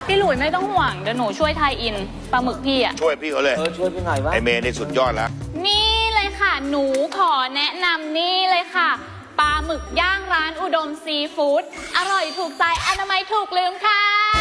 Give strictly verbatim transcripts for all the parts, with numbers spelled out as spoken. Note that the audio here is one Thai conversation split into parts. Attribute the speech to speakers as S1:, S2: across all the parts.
S1: พี่หลุยไม่ต้องห่วงเดี๋ยวหนูช่วยไทยอินปลาหมึกพี่อะ
S2: ช่วยพี่เขาเลย
S3: เออช่วยพี่หน่อยวะ
S2: ไอเมย์นี่สุดยอดแล้ว
S1: นี่เลยค่ะ หนูขอแนะนำนี่เลยค่ะปลาหมึกย่างร้านอุดมซีฟู้ดอร่อยถูกใจอนามัยถูกลืมค่ะ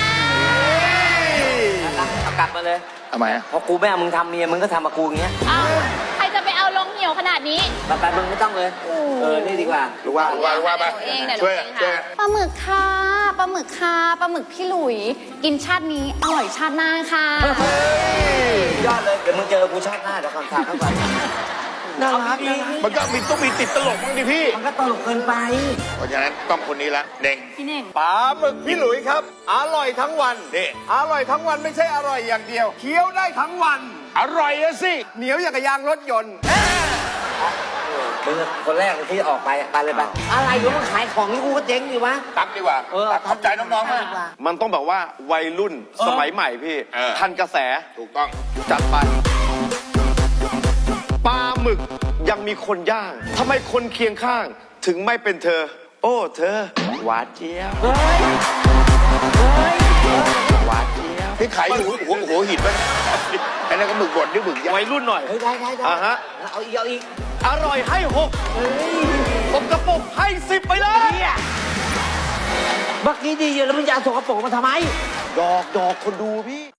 S3: เอากลับมาเลย
S2: ทำไมอะ
S3: พอกูไม่เอามึงทำเมียมึงก็ทำมากูอย่างเงี้ย
S1: อ้าวใครจะไปเอาลงเหี่ยวขนาดนี้
S3: ไปไปมึงไม่ต้องเลย เออ นี่ดีกว่า
S2: รู้ว่ารู้ว่ารู้ว่าไป
S1: เองเดี๋ยว
S2: ช่วย
S1: เอง
S2: ช่วย
S1: ค่ะปลาหมึกค่ะปลาหมึกค่ะปลาหมึกพี่หลุยกินชาตินี้อร่อยชาติหน้าค่ะ
S3: ยอดเลย เดี๋ยวมึงเจอกูชาติหน้าเดี๋ยวก่อนฝากเขาก่อนน่ารักดี
S2: มันก็มีต้องมีติดตลกบ้างดิพี่
S3: มันก็ตลกเกินไป
S2: เพราะฉะนั้นต้องคนนี้ละเด้ง
S1: พี่เน่ง
S4: ปลาหมึกพี่หลุยครับ อร่อยทั้งวัน
S2: นี่
S4: อร่อยทั้งวันไม่ใช่อร่อยอย่างเดียวเคี้ยวได้ทั้งวัน
S2: อร่อยอะสิ
S4: เหนียวอย่างกับยางรถยนต์
S3: มึงคนแรกที่ออกไปอะไปเลยไป อะไรอยู่มึงขายของนี่กูก็เจ๊งดิวะ
S2: ตักดีกว่า
S3: เออ
S2: ตักขอบใจน้องๆมาก
S4: มันต้องแบบว่าวัยรุ่นสมัยใหม่พี่
S2: เออ
S4: ทันกระแส
S2: ถูกต้อง
S4: จัดไป ปลาหมึกยังมีคนย่างทำไมคนเคียงข้าง ถึงไม่เป็นเธอ โอ้ เธอ หวานเจี๊ยบ
S3: เฮ้ย เฮ้ย
S4: หวานเจี๊ยบ
S2: พี่ขายอยู่หัวหัวหินไหมอันนั้นก็หมึกบดนี่หมึกย่าง
S4: วัยรุ่นหน่อย
S3: เฮ้ยได้ได้ได้
S4: อ่าฮะ
S3: เอาอีกเอาอีก
S4: อร่อยให้หกสกปรกให้สิบไปเลย
S3: เมื่อกี้ดีอยู่แล้วมึงจะเอาสกปรกมาทำไม
S4: ดอกดอกคนดูพี่